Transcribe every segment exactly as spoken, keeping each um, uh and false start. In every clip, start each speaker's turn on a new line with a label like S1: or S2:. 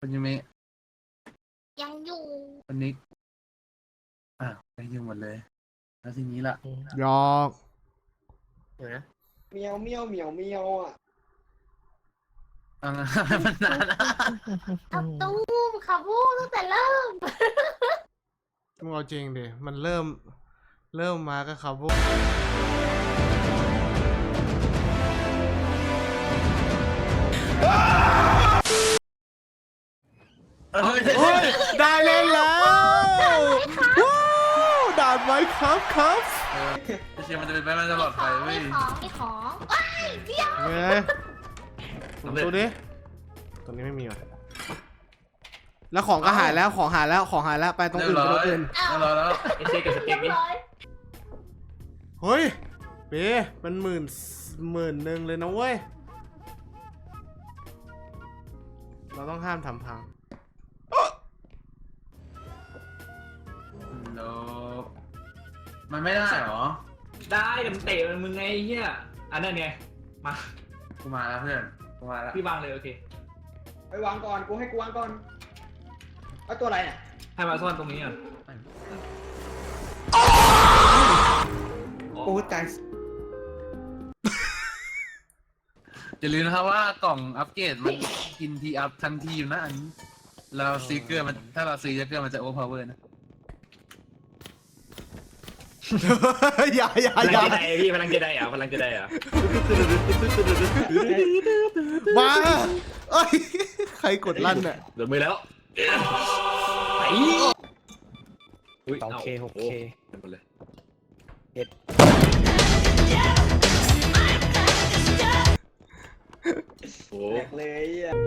S1: คุณยูเมะ
S2: ยังอยู่
S1: คนนี้อ่ะยังอยู่หมดเลยแล้วทีนี้ล่ะ
S3: ยอก
S4: เมียวเมียวเมียวเมียวอ่ะ
S1: อ่ะมันนานนะ
S2: อับตุ้มค่ะพูดตั้งแต่เริ่ม
S3: มึงเอาจริงดิมันเริ่มเริ่มมาก็ครับพวกได้เล่นแล้วด่านไว้ครับครับ
S1: เชียร์มันจะเป็นไปมันจะหลอดไฟเว้ย
S2: มีของมีของว้ายเดี๋ยว
S3: ไงตัวนี้ตัวนี้ไม่มีว่ะแล้วของก็หายแล้วของหายแล้วของหายแล้วไปตรงอื่นไปตรงอื่น
S1: แล้วแล้ว
S4: ไอเจ๊กับสเต็กนี่
S3: เฮ้ยเป๊ะมันหมื่นหมื่นหนึ่งเลยนะเว้ยเราต้องห้ามทำพัง
S1: โลมันไม่ได้หรอ
S4: ได้แต่มันเตะมันมึงไงเฮียอันนั้นไงมา
S1: กูมาแล้วเพื่อนกูมาแล้ว
S4: พี่วางเลยโอเค
S5: ไปวางก่อนกูให้กูวางก่อนเอาตัวอะไรเนี่ย
S4: ให้มาซ่อนตรงนี้อ่ะ
S5: โอ้ตาย
S1: อย่าลืมนะครับว่ากล่องอัปเกรดมันกินทีอัพทันทีอยู่นะอันนี้เราซีเกอร์มันถ้าเราซีเกอร์มันจะโอเวอร์พาวเวอร์นะ
S3: อย่าอย่า
S4: พลัง
S3: อย่า
S4: จะได้พี่พลังจะได้อ่ะพลังจะได้อ่ะ
S3: มาเอ้ยใครกดลั่นเนี่ย
S4: เดือดมือแล้วไอ้
S5: สองเคหกเค
S4: เป็นหมดเลย
S5: เอ็ด
S4: โอ้
S5: เลยอ่ะ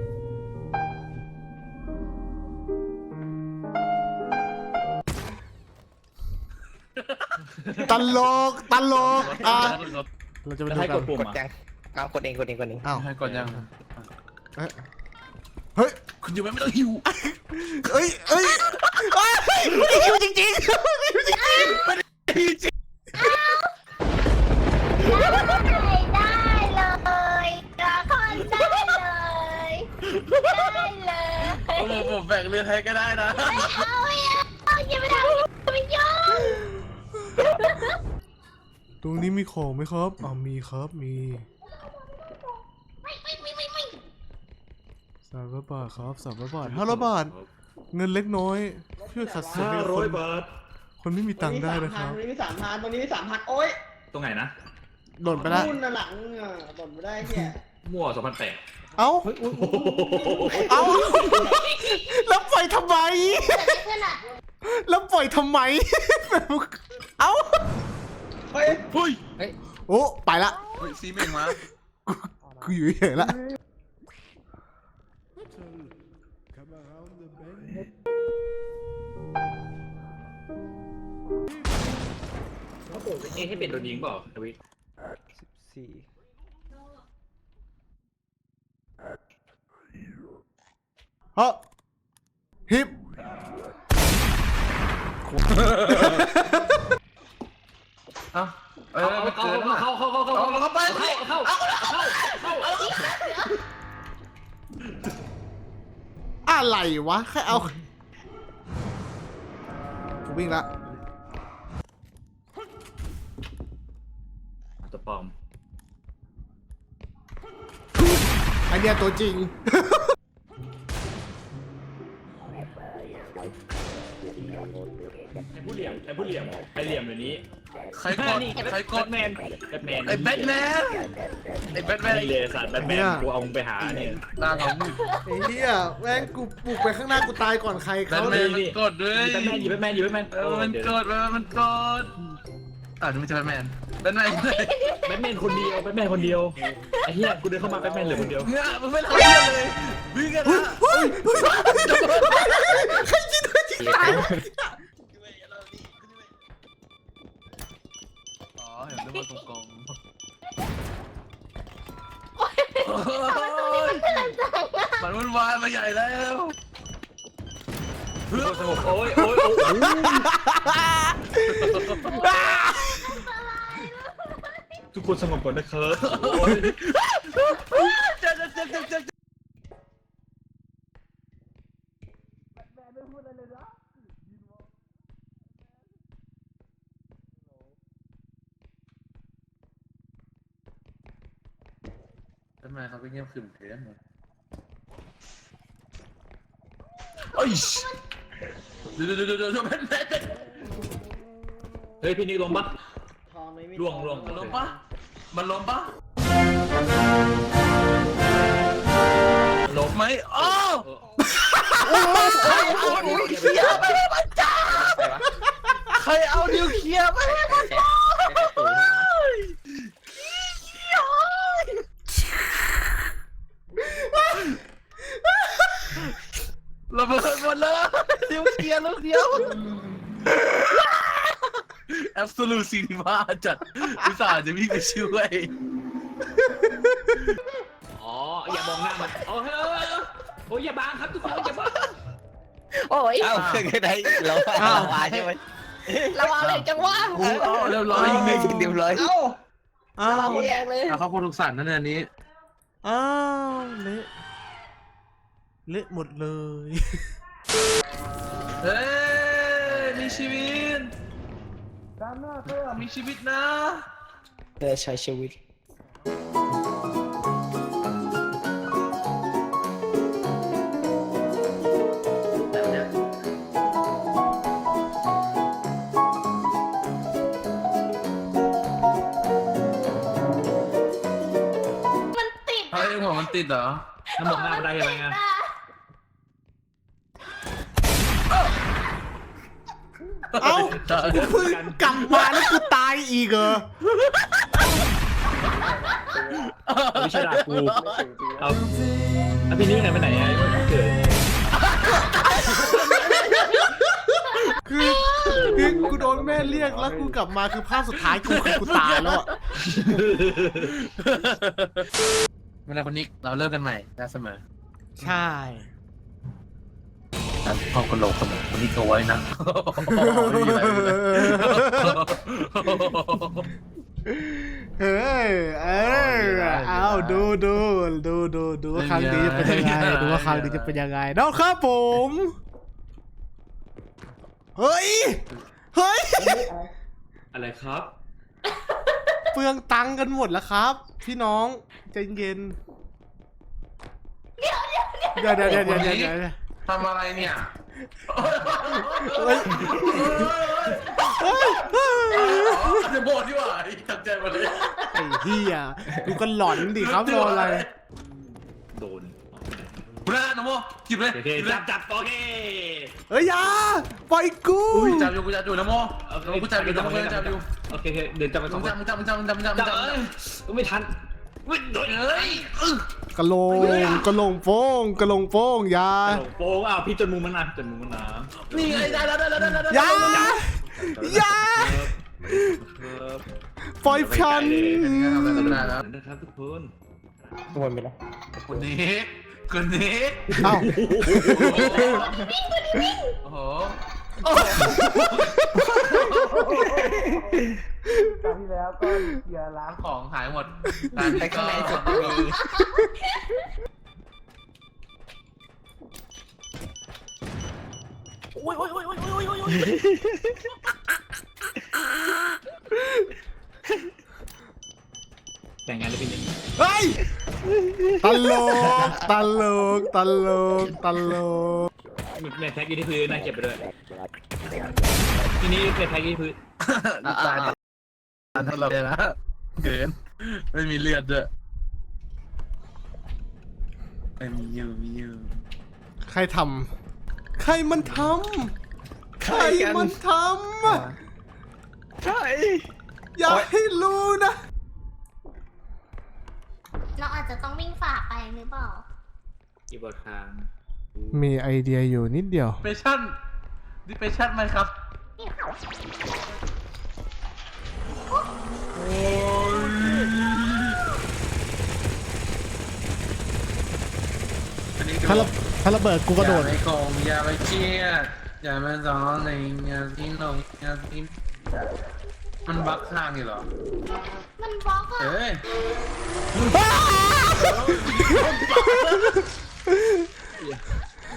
S3: ตลกตลกอ่ะเราจะไปดูกัน
S5: กดยังเอากดเองกดเองกดเอง
S3: อ้าว
S1: ให้กดยัง
S3: เฮ้ย
S1: คุณอยู่ไม่ต้องหิว
S3: เอ้ยเอ้ยไม่หิวจริงจริงไม่หิวจริง
S2: ได้เลยละครได้เลยได้เลย
S1: ผมผมแบ่งเรือให้ก็ได้นะ
S2: ไม่เอาอย่าอย่าไปทำไม่ยอม
S3: ตรงนี้มีของไหมครับอ๋อมีครับมี
S2: ไม่ไม่ไม่ไม่ไม่
S3: สามร้อยบาทครับสามร้อยบาทห้าร้อยบาทเงินเล็กน้อยเพื่อขัดสนให้คนคนไม่มีตังค์ได้นะครับ
S5: ตรงนี้มีสามพันตรงนี้มีสามพันโอ๊ย
S4: ตรงไหนนะ
S3: หล่นไปแล้ว
S5: นู่นน่ะหลังอ่ะหล่นไม่ได้แค่
S4: มั่วสองพันแปด
S3: เอ้าเอ้าแล้วปล่อยทำไมแล้วปล่อยทำไมเอ้า
S5: เฮ้ย
S1: เฮ้ย
S3: โอ้ไปละ
S1: ซีเมงมา
S3: กูอยู่เฉยละ
S4: เขาเปิดเอให้เป็นโดนยิงเปล่าทวิต
S5: สิบสี่
S3: เฮ้ฮิป
S1: เอ้าเออ
S4: เข้าเข้าเข้าเข้าเข้าเข้าเข้าไปเข้าเข้าเข้าเข้า
S3: อะไรวะแค่เอากูวิ่งละ
S4: ตัวปลอม
S3: ไอเดียตัวจริง
S4: ไอ้ผู้เหลี่ยมไอ้ผู้เหลี่ยมไอ้เหลี่ยมเดี๋ยวนี้
S1: ใครกดใครกด
S4: แมนแบทแมน
S1: ไอ้แบทแมนไอ้แบทแมน
S4: เลยสัตว์แบทแมนกูเอามึงไปหาเนี่ย
S1: ตาของมึง
S3: ไอ้เหี้ยแม่งกูปลุกไปข้างหน้ากูตายก่อนใครเขา
S1: เลยมันกดด้วย
S4: แบทแมนอยู่แบทแมนอยู่แบทแมน
S1: เออมันกดมันกดอ่าไม่ใช่แบทแมนแบทแมน
S4: แบทแมนคนเดียวแบทแมนคนเดียวไอ้เหี้ยกูเดินเข้ามาแบทแมนเหลือคนเดียว
S1: เนี่ยมันไม่ทำเลยวิ่งกันนะ
S3: เฮ้ยใครจิตจิตตาย
S1: อ๋อเห็นด้วยมันกงมันวุ่นวายมาใหญ่แล้ว
S4: เพื่อสงบโอ้ยโอ้ยโอ้ยทุกคนสงบก่อนนะครับ
S1: ทำไมเขาไปเงียบขรึมเกินวะ
S4: เอ้ย
S1: เดี๋ยวเดี๋ยวเดี๋ยวเดี๋ยวมัน
S4: เฮ้ยพี่นิกลงปะ
S5: ทองเลยไม่
S4: ล่วงล่วง
S1: มันล้มปะมันล้มปะ
S4: ลง
S1: ไหมอ้าว
S4: เออ
S1: ใครเอานิวเคลียร์ไปให้มันจ้าใครเอานิวเคลียร์ไปให้มันจ้าระเบิดหมดเลยนิวเคลียร์ลูกเดียว Absolute Cinema จัดอุตส่าห์จะวิ่งไปช่วย
S4: อ๋ออย่ามองหน้ามันโอ้เฮ้ยโอ้ยอย่าบังครับทุกคนอย่าบัง
S2: โอ้ย
S6: เอ้าคือไงเราเราวาใช่ไหม
S2: ระวังเลยจังวะ
S1: กูเอาเรียบร้อย
S6: ยิงไม่ยิงเดียวเลย
S5: เอ้า
S3: อ้า
S2: ระวั
S3: ว
S2: งแรงเลย
S1: เอาเข้าโคตรทุกสันนั่นอันนี้
S3: อ้าวเละเละหมดเลย
S1: เฮ้ยมีชีวิตด้านหน้าเธอมีชีวิตนะ
S6: เธอใช้ชีวิต
S2: มันติด
S1: เฮ้ยหัวมันติดเหรอ
S4: น้ำมองหน้ามันได้ยังไงอะ
S3: เอ้ากูเพิ่งกลับมาแล้วกูตายอีกเหรอ
S4: ไม่ใช่ด่ากูเอาแล้วพี่นิกไหนไปไหนอะเกิด
S3: คือคือกูโดนแม่เรียกแล้วกูกลับมาคือภาพสุดท้ายกูคือกูตายแล้วอะ
S1: เวลาคนนี้เราเริ่มกันใหม่ได้เสมอ
S3: ใช่
S1: แต่ห้องกระโหลกเสมอคนนี้ตัวไว้นะ
S3: เฮ้ยเออเอาดูดูดูดูดูว่าครั้งนี้จะเป็นยังไงดูว่าครั้งนี้จะเป็นยังไงนะครับผมเฮ้ยเฮ้ย
S4: อะไรครับ
S3: เปลืองตังค์กันหมดแล้วครับ พี่น้องใจเย็นเดี๋ยวเดี๋ยวเดี๋ยวเดี๋ยวเดี๋ยวเดี๋ยวเดี๋ยว
S1: ทำอะไรเนี่ย
S3: เฮ้ยเฮ้ยเฮ้ย
S1: จะโบดดีกว่าตัดใจมาเลย
S3: ไอ้เหี้ยดูกันหลอนดิครับรออะไร
S4: โดน
S1: คุณน้าน้องโมหยิบเลย
S4: โอเค
S1: หยิบเลย
S4: จับจับโอเค
S3: เฮ้ยอยาปล่อยกู
S1: อุ้ยจับอยู่กูจับอยู่น้องโมกูจับอยู่น้องโมจับอยู่
S4: โอเคเดินจับไปส
S1: มึ
S4: อง
S1: ง
S4: ค
S1: จับ
S4: น
S1: มึงจับมึงจับมึงจับมึงจับมึง
S4: จับ
S1: จับ
S4: เอ้ยไม่ทันวิ่งโดน
S1: เอ้ย
S3: กระโหลงกระโหลงโป้งกระโหลงโป้งอยา
S4: โป้งอ้าวพี่จนมุมมันนะจนมุมมันนะ
S1: นี่ไงได้แล้วได้แล้วได้แล้ว
S3: อยาอยาปล่อยฉัน
S4: นะครับทุกคน
S6: วนไปแล้ว
S1: คนนี้คนนี้
S3: เอ้า
S1: โอ้โหโอ้โหตอนที่แล้วก็เกียร์ล้างของหายหมดตอน
S6: แต่
S1: นี้
S6: ข้างในสุด
S1: ก็
S6: มี
S4: แต่งงานแล้วพี่นิก
S3: เฮ้ยตลกตลกตลกตลก
S4: ในแท็กอยู่ที่พื้นนะเก็บไปเลยทีนี้ในแท็กอยู่ที่พื้น
S1: ตายถ้าเราเนี่ยนะเกินไม่มีเลือดด้วยไม่มียูมียู
S3: ใครทำใครมันทำใครมันทำ
S6: ใช่
S3: อย่าให้รู้นะ
S2: เราอาจจะต้องวิ่งฝ่าไปหรือเปล่า
S4: อีบอร์ดค้าง
S3: มีไอเดียอยู่นิดเดียว
S1: ดิเปชั่นดิเปชั่นไหมครับโอ้ยอันนี้ดู
S3: ถ้าระถ้าระเบิดกูกระโดด
S1: อย่าไปโกงอย่าไปเครียดอย่ามาสอนในงานที่ลงงานที่มันบักข้างอยู่เหรอ
S2: มันบล็อกอะ
S1: เอ้ย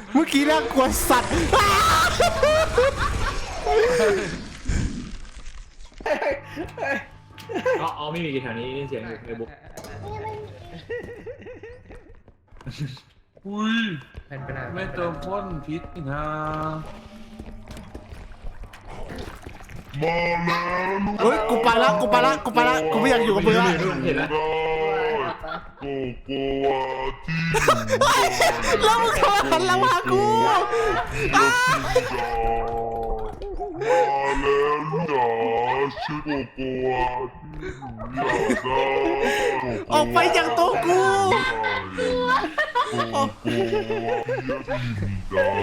S3: เมื่อกี้น่ากลัวสัตว์อ้า
S4: อ๋ออ๋อไม่มีกี่แถวนี้ได้ยินเสียงอยู่ในบุ๊ก
S1: อุ้ย
S6: แผ่นไปไหน
S1: ไม่ตัวพ่นพิษนี่นะ
S3: เฮ้ยกูไปละกูไปละกูไปละกูไม่อยากอยู่กับมึงละ
S4: เห็นแล้ว
S3: แล้วมึงเข้ามาหันหลังมาหากูอ้าออกไปจากตัวกู
S7: โกโก้ที่มีดา